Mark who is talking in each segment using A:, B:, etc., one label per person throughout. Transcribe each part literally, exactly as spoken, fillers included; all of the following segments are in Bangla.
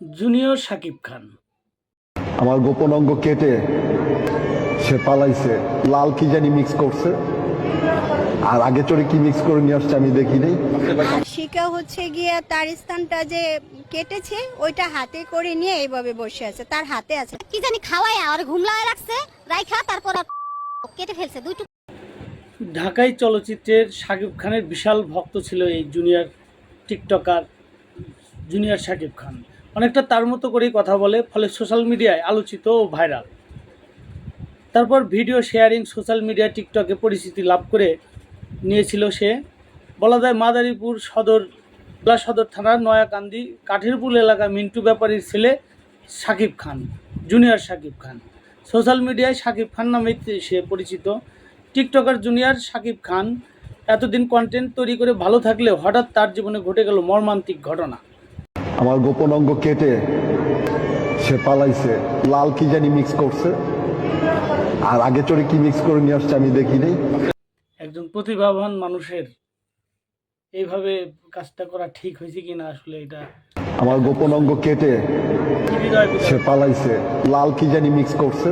A: জুনিয়র শাকিব খান।
B: আমার গোপন অঙ্গ কেটে সে পালাইছে, লাল কি জানি মিক্স করছে, আর আগে চড়ে কি মিক্স করে নিয়ে আসছে আমি দেখি নাই।
C: আর শিকা হচ্ছে গিয়া তার স্থানটা যে কেটেছে ওইটা হাতে করে নিয়ে এইভাবে বসে আছে, তার হাতে আছে
D: কি জানি খাওয়ায় আর ঘুমলায় রাখছে রাইখা, তারপর আর কেটে ফেলছে দুই টুকরো।
A: ঢাকাই চলচ্চিত্রের শাকিব খানের বিশাল ভক্ত ছিল এই junior tiktoker junior Shakib Khan. অনেকটা তার মতো করেই কথা বলে, ফলে সোশ্যাল মিডিয়ায় আলোচিত ও ভাইরাল। তারপর ভিডিও শেয়ারিং সোশ্যাল মিডিয়া টিকটকে পরিচিতি লাভ করে নিয়েছিল সে। বলা যায় মাদারীপুর সদর জেলা সদর থানার নয়াকান্দি কাঠেরপুল এলাকা মিন্টু ব্যাপারীর ছেলে শাকিব খান, জুনিয়র শাকিব খান। সোশ্যাল মিডিয়ায় শাকিব খান নামে সে পরিচিত। টিকটকার জুনিয়র শাকিব খান এতদিন কন্টেন্ট তৈরি করে ভালো থাকলেও হঠাৎ তার জীবনে ঘটে গেল মর্মান্তিক ঘটনা।
B: আমার গোপন অঙ্গ কেটে সে পালাইছে, লাল কি জানি মিক্স করছে, আর আগে চড়ে কি মিক্স করে নিয়ে আসছে আমি দেখি নাই।
A: একজন প্রতিভাবান মানুষের এইভাবে কাজটা করা ঠিক হয়েছে কিনা আসলে এটা
B: আমার গোপন অঙ্গ কেটে
A: হৃদয়
B: সে পালাইছে, লাল কি জানি মিক্স করছে,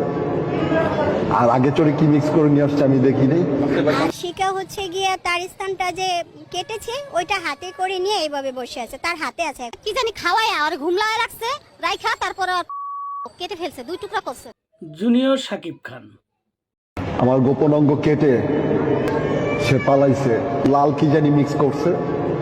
B: আর আগে চড়ে কি মিক্স করে নিয়ে আসছে আমি দেখি নাই।
C: আর শিকা হচ্ছে গিয়া তার স্থানটা যে কেটেছে ওইটা হাতে করে নিয়ে এইভাবে বসে আছে, তার হাতে আছে
D: কি জানি খাওয়ায় আর ঘুমলায় রাখছে রাইখা, তারপর আর কেটে ফেলছে দুই টুকরা করছে।
A: জুনিয়র শাকিব খান।
B: আমার গোপন অঙ্গ কেটে সে পালাইছে, লাল কি জানি মিক্স করছে,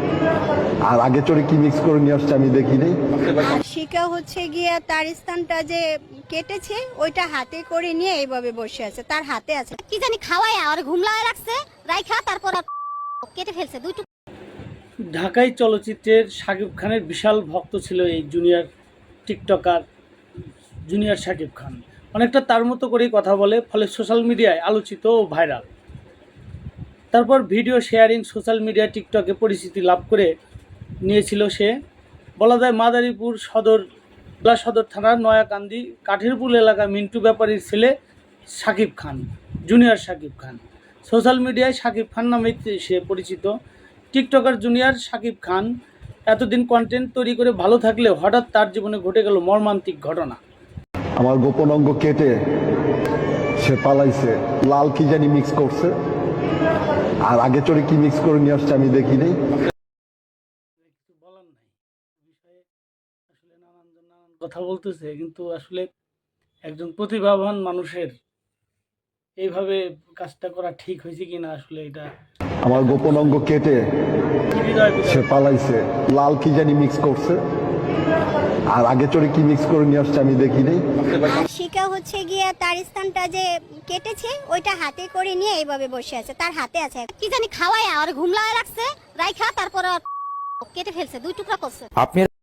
B: আর আগে চড়ে কি মিক্স করে নিয়ে আসছে আমি দেখি নাই।
C: আর শিকা হচ্ছে গিয়া তার স্থানটা যে কেটেছে ওইটা হাতে করে নিয়ে এইভাবে বসে আছে, তার হাতে আছে
D: কি জানি খাওয়ায় আর ঘুমলায় রাখছে রাইখা, তারপর আর কেটে ফেলছে দুই টুকরো।
A: ঢাকাই চলচ্চিত্রের শাকিব খানের বিশাল ভক্ত ছিল এই junior tiktoker junior Shakib Khan. অনেকটা তার মতো করেই কথা বলে, ফলে সোশ্যাল মিডিয়ায় আলোচিত ও ভাইরাল। তারপর ভিডিও শেয়ারিং সোশ্যাল মিডিয়া টিকটকে পরিচিতি লাভ করে নিয়েছিল সে। বলা যায় মাদারীপুর সদর জেলা সদর থানার নয়াকান্দি কাঠেরপুল এলাকা মিন্টু ব্যাপারীর ছেলে শাকিব খান, জুনিয়র শাকিব খান। সোশ্যাল মিডিয়ায় শাকিব খান নামে সে পরিচিত। টিকটকার জুনিয়র শাকিব খান এতদিন কন্টেন্ট তৈরি করে ভালো থাকলেও হঠাৎ তার জীবনে ঘটে গেল মর্মান্তিক ঘটনা।
B: আমার গোপন অঙ্গ কেটে সে পালাইছে, লাল কি জানি মিক্স করছে, আর আগে চড়ে কি মিক্স করে নিয়ে আসছে আমি দেখি নাই।
A: কিছু বলার নাই বিষয়ে, আসলে নানানজন নানান কথা বলতেছে, কিন্তু আসলে একজন প্রতিভাবান মানুষের এইভাবে কাজটা করা ঠিক হয়েছে কিনা আসলে এটা
B: আমার গোপন অঙ্গ কেটে
A: হৃদয়
B: সে পালাইছে, লাল কি জানি মিক্স করছে, আর আগে চড়ে কি মিক্স করে নিয়ে আসছে আমি দেখি নাই।
C: আর শিকা হচ্ছে গিয়া তার স্থানটা যে কেটেছে ওইটা হাতে করে নিয়ে এইভাবে বসে আছে, তার হাতে আছে
D: কি জানি খাওয়ায় আর ঘুমলায় রাখছে রাইখা, তারপর আর কেটে ফেলছে দুই টুকরা করছে।
E: আপনি